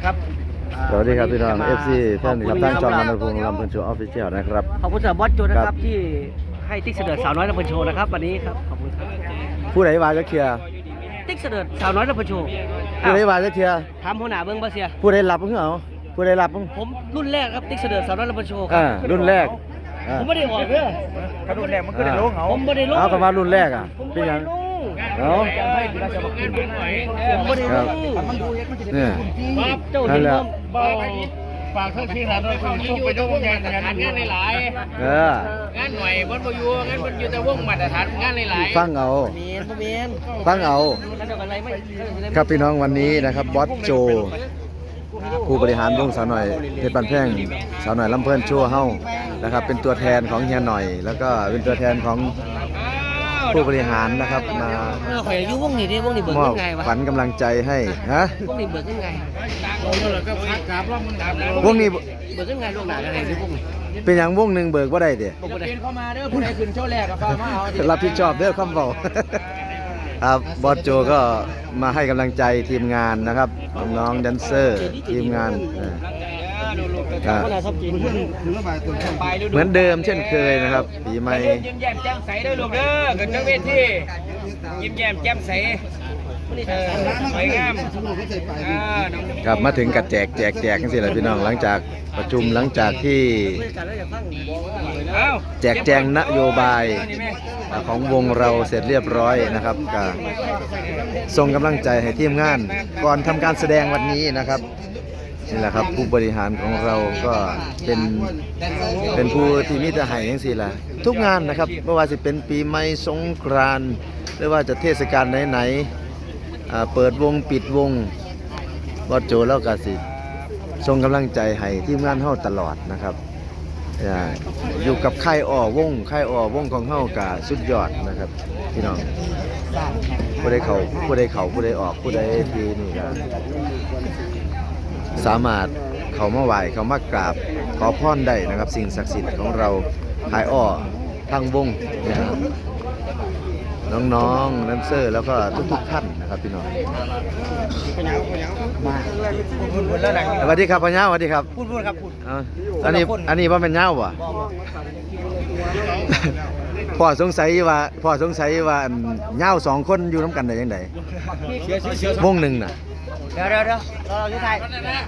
ครับสวัสดีครับพี่น้อง FC แฟนครับท่านจอมนันทพงศ์ลำเพลินโชว์ออฟฟิเชียลนะครับขอบคุณสำหรับบอสโจนะครับที่ให้ติ๊กเสด็จสาวน้อยลำเพลินโชว์นะครับวันนี้ครับขอบคุณครับผู้ใดว่าจะเคลียร์ติ๊กเสด็จสาวน้อยลำเพลินโชว์ผู้ใดว่าจะเคลียร์ถามหัวหน้าเบิ้งบาเซียผู้ใดรับเพิ่งเอาผู้ใดรับเพิ่งผมรุ่นแรกครับติ๊กเสด็จสาวน้อยลำเพลินโชว์ครับรุ่นแรกผมไม่ได้ออกเด้อรุ่นแรกมันก็ได้ลงเอาผมไม่ได้ลงเอาคำว่ารุ่นแรกอ่ะผมเป็นไม่ยัได้งลงเอาผมไม่ได้ลงเนี่ยเจ้านั่เห็นนแหละฝากเพื่อนพี่หลานด้วยคุณช่วยไปด้วยงานหลายเอองานหน่วยบนประยูงานบนอยู่แต่วงมาตรฐานงานหลายฟังเอาเมียนบ่เมียนฟังเอาแล้วเดี๋ยวอะไรไม่ครับพี่น้องวันนี้นะครับบอสโจผู้บริหารวงสาวหน่อยเพชรบันแพงสาวหน่อยลำเพลินโชว์เฮ้านะครับเป็นตัวแทนของเฮียหน่อย แล้วก็เป็นตัวแทนของผู้บริหารนะครับมาข่อยอายุวงนี้ดิวงนี้เบิกมอบยังไงวะขวัญกำลังใจให้ฮะวงนี้เบิกยังไงแล้วก็พักกราบรอบมึงดับแล้ววงนี้เบิกยังไงล่วงหน้าอะไรหรือวงนี้เป็นอย่างวงหนึ่งเบิกว่าได้เด้บอกว่าได้เข้ามาเด้อผู้ใดขึ้นโชว์แรกกับฟ้ามาเอารับผิดชอบเด้อคำเบา ครับบอสโจก็มาให้กำลังใจทีมงานนะครับน้องๆแดนเซอร์ทีมงานก็คนละชอบกินเหมือนเดิมเช่นเคยนะครับปีใหม่ยิ้มแย้มแจ่มใสเด้อลูกเด้อขึ้นจังเวทียิ้มแย้มแจ่มใสสวยงามครับมาถึงกัดแจกกันสิแหละพี่น้องหลังจากประชุมหลังจากที่แจกแจงนโยบายของวงเราเสร็จเรียบร้อยนะครับก็ส่งกำลังใจให้ทีมงานก่อนทำการแสดงวันนี้นะครับนี่แหละครับผู้บริหารของเราก็เป็นผู้ที่มีแต่ให้จังซี่ล่ะทุกงานนะครับไม่ว่าจะเป็นปีใหม่สงกรานต์หรือว่าจะเทศกาลไหนๆเปิดวงปิดวงบอสโจแล้วก็สิส่งกำลังใจให้ทีมงานเฮาตลอดนะครับอยู่กับค่ายอ้อวงของเฮากะสุดยอดนะครับพี่น้องผู้ใดเข้าผู้ใดออกผู้ใดที่นี่ก็สามารถเข้ามาไหว้เข้ามากราบขอพรได้นะครับสิ่งศักดิ์สิทธิ์ของเราค่ายอ้อทั้งวงนะครับน้องๆแดนเซอร์แล้วก็ทุกท่านนะครับพี่น้องสวัสดีครับพ่อเน่าสวัสดีครับพูดครับพูดอันนี้ว่าเป็นเน่าบ่พ่อสงสัยว่าเน่าสองคนอยู่น้ำกันได้ยังไงวงหนึ่งน่ะเดี๋ยวเราอยู่ไทย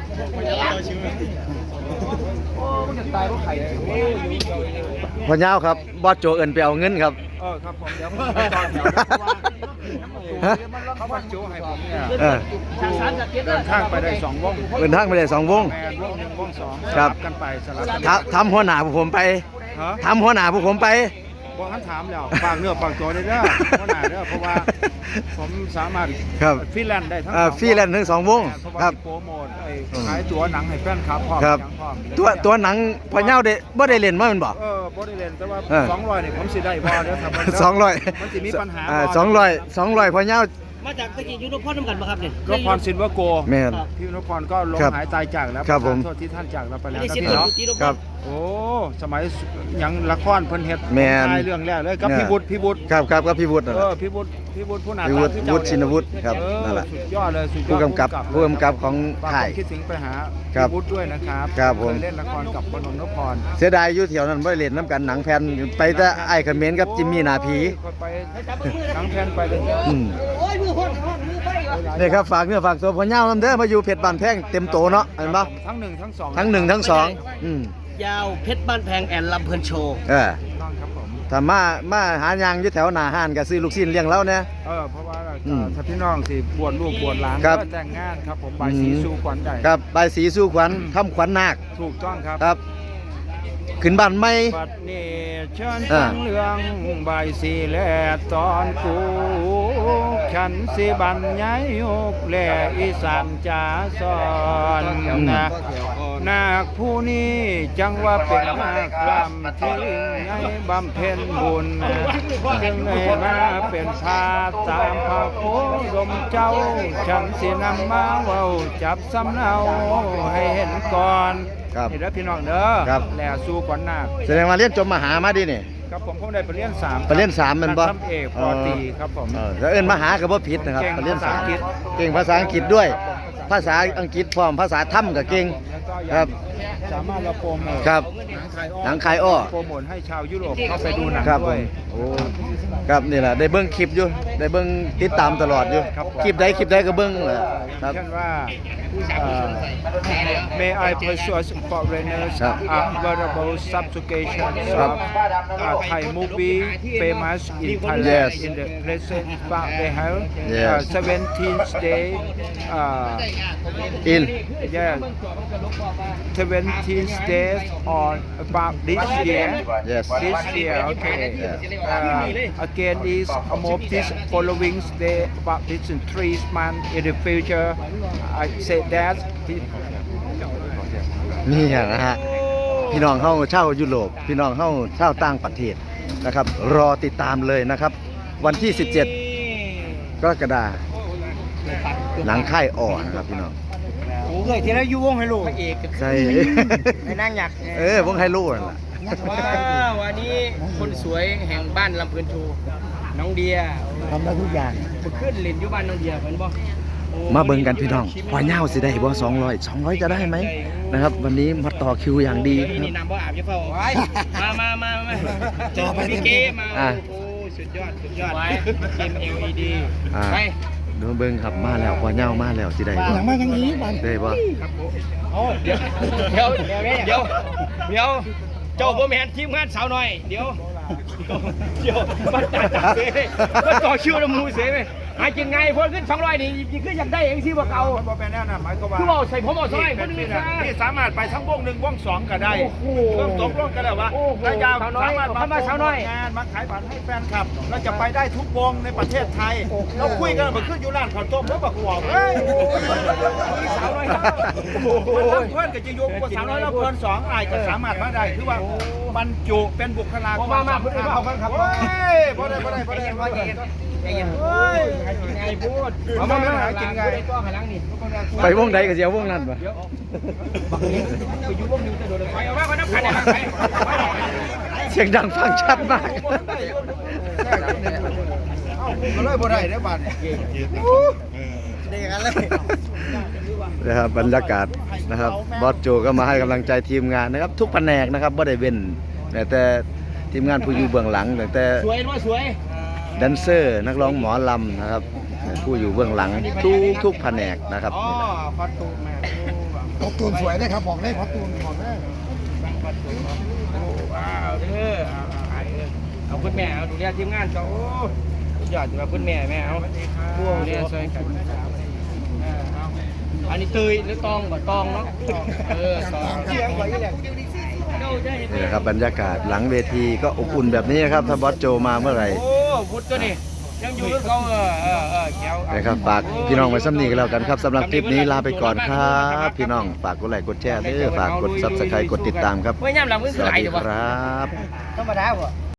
โอ้มันจะตายเพราะไข่พ่อเน่าครับบอสโจเอินไปเอาเงินครับครับผมเดี๋ยวผมไปต่อแถวเขามาโชว์ให้ผมเนี่ยเดินข้างไปได้2วงเดินทางไปได้2 วงแมนวง1วง2 ครับกันไปสลับกันทำหัวหน้าพวกผมไปฮะทำหัวหน้าพวกผมไปบอกท่านถามแล้วฝากเนื้อฝากตัวได้เด้อเพราะหนาเด้อเพราะว่าผมสามารถครับฟรีแลนซ์ได้ทั้งฟรีแลนซ์ทั้ง2 วงเพราะว่าครับโปรโมทไอ้ขายตั๋วหนังให้แฟนคลับพร้อมครับอย่างพร้อมตัวหนังพ่อเน่าได้บ่ได้เล่นมาแม่นบ่บ่ได้เล่นแต่ว่าเออ 200นี่ผมสิได้บ่เด้อครับ 200 มันสิมีปัญหา 200พ่อเน่ามาจากตะกี้ยูโรพอน้ำกันป่ะครับเนี่ยนพพรซินเวอร์โกแม่นพี่นพพรก็ลงครับหายตายจากแล้วครับผมโทษที่ท่านจากเราไปแล้วได้นะสิบพี่คนเนาะตีโรพครัอบโอ้สมัยหยังละครเพิ่นเฮ็ดแม่นถ่ายเรื่องแรกเลยกับเนี่ยพี่บุตรครับก็พี่วุฒินั่นแหละพี่บุตรผู้หน้าพี่ตาวุฒิคือเจ้าวุฒิชินวุฒิครับเออนั่นแหละสุดยอดเลยสุดยอดผู้กำกับของฝากค่ายผมคิดถึงไปหาครับพี่วุฒิด้วยนะครับครับผมเคยเล่นละครกับพนมนพพรเสียดายอยู่แถวนั้นบ่ได้เล่นน้ำกันหนังแผ่นไปแต่ไอ้เขมรกับจิมมี่หนาผีไปหนังแพนไปเลยอืมโอ้ยมือไฟวะนี่ครับฝากเนื้อฝากตัวพ่อเน่านำเด้อมาอยู่เพชรบ้านแพงเต็มโตเนาะเห็นบ่ทั้งหนึ่งทั้งสองทั้ง1ทั้ง2 ยาวเพชรบ้านแพงแอนลำเพลินโชว์ต้องครับผมถ้ามาหายางอยู่แถวหน้าห้านก็ซื้อลูกชิ้นเลี้ยงเราเนี่ยเพราะว่าอืมถ้าพี่น้องสิบวชลูกบวชหลานครับก็แต่งงานครับผมใบายสีสู่ขวัญใหญ่ครับใบายสีสู่ขวัญทำขวัญนาคถูกต้องครับครับ ขึ้นบ้านใหม่บัดนี้เชิญอ่าฟังเรื่องใบายสีและตอนกูฉันสิบันย้ายยกแลอีสานจ๋าสอนนะนาคผู้นี้จังว่าเป็นนาคลำที่ให้บำเพ็ญบุญจึงได้มาเป็นพาตามพระโคดมเจ้า ฉันสินำมาเว้าจับสำเนาให้เห็นก่อนครับนี่เด้อพี่น้องเด้อครับแลสู้ก่อนนาคแสดงว่าเรียนจบมหามาดินี่ครับผมได้ไปเรียน3 ไปเรียน3แม่นบ่ทำเอกปอตรีครับผมแล้วเอิ้นมหาก็บ่ผิดนะครับเก่งไปเรียนภาษาอังกฤษเก่งภาษาอังกฤษด้วยภาษาอังกฤษพร้อมภาษาถ้ำก็เก่งแล้วก็ครับสามารถเราโปรโมทครับหนังคายอ้อโปรโมทให้ชาวยุโรปเข้าไปดูหนังครับผด้วยมโอ้ครับนี่แหละได้เบิ้งคลิปอยู่ได้เบิ้งติดตามตลอดอยู่ครับผมคลิปใดก็เบิ้งแหละครับเช่นว่าMay I persuade foreigners ครับ available subjugation ครับ of Thai movie famous in Thailand Yes. in the present but they have Yes. 17th day in yeah 17 days on about this year yes this year okay Yeah. again is about this following day about this in 3 months in the future I say that นี่นะฮะพี่น้องเข้าเช่ายุโรปพี่น้องเข้าเช่าต่างประเทศนะครับ รอติดตามเลยนะครับ วันที่ 17 กรกฎาคมหนังค่ายอ่อนะครับพี่น้องโอ้เคยที่แล้วอยู่วงไฮโลพระเอกใช่ไอ้นางหยักวงไฮโลนั่นล่ะว้าวันนี้คนสวยแห่งบ้านลำเพลินโชว์น้องเดียทำได้ทุกอย่างขึ้นเล่นอยู่บ้านน้องเดียเพิ่นบ่มาเบิ่งกันพี่น้องพอเน่าสิได้บ่200จะได้ไหมนะครับ วันนี้มาต่อคิวอย่างดีคนี่รับน้ำบ่อาบจะเฝ้าไว้มาจอไปพี่เกมาอ่ะโอ้สุดยอดไว้เกม LED อ่าไปดูเบิ่งครับมาแล้วพอเน่ามาแล้วสิได้บ่อย่างมาอย่างนี้มันได้บ่โอ้เดี๋ยวเจ้าบ่แม่นทีมงานสาวน้อยเดี๋ยวมันจัดเซ่มันต่อคิวน้ำมูเซ่ไหมหากินไงพอขึ้น200นี่คืออยากได้เองสิว่าเก่ามันบ่เป็นแน่นะหมายความว่าคือเอาใส่ผมเอาซอยคนนี่อื่นนะซะนี่สามารถไปทั้งวง1วง2ก็ได้โอ้โหเริ่มตกลงกันแล้วว่าโอ้โหระยะสาวน้อยสามารถเข้ามาสาวน้อยงานมาขายบัตรให้แฟนคลับเราจะไปได้ทุกวงในประเทศไทยเราคุยกันมาขึ้นอยู่ร้านข้าวต้มแล้วบอกว่าเฮ้ยสาวน้อยเพื่อนกับจะยกว่าสาวน้อยแล้วเพื่อนสองอาจจะสามารถมาได้คือว่าบรรจุเป็นบุคลากรมาเพื่อนเอากันครับเฮ้ยบ่ได้เฮ้ยไงพูดเอามาหากินไงก็หันหลังนี่ไปวงใดก็สิเอาวงนั้นบ่ไปอยู่วงนึงจะโดนไปเอาว่าคนน้ำขันเนี่ยไปเสียงดังฟังชัดมากก็เลยบ่ได้เด้อบัดนี้ได้อย่างนั้นเลยนะครับบรรยากาศนะครับบอสโจก็มาให้กำลังใจทีมงานนะครับ ทุกแผนกนะครับบ่ได้เว้นแต่ทีมงานผู้อยู่เบื้องหลังตั้งแต่สวยว่าสวยแดนเซอร์นักร้องหมอลำนะครับผู้อยู่เบื้องหลังทุกแผนกนะครับอ๋อคอสตูมแม่คอสตูมสวยเลยครับบอกเลยคอสตูมบอกเลยว้าวเด้อเอาคุณแม่เอาดูแลทีมงานเจ้าสุดยอดอยู่กับคุณแม่แม่เอาพวกเนี่ยช่วยกันอันนี้เตยหรือตองบ่ตองเนาะตองเสียงกว่าอีแหละนี่นะครับบรรยากาศหลังเวทีก็อบอุ่นแบบนี้นะครับถ้าบอสโจมาเมื่อไหร่โอ้พุทธตัวนี้ยังอยู่กับเขาแก้วนะครับฝากพี่น้องไว้ซ้ำนี้กันแล้วกันครับสำหรับคลิปนี้ลาไปก่อนครับพี่น้องฝากกดไลค์กดแชร์ด้วยฝากกด Subscribe กดติดตามครับเมื่อย่ำหลังมือสคือวัสไหลดีเดี๋ยวครับธรรมดาบ่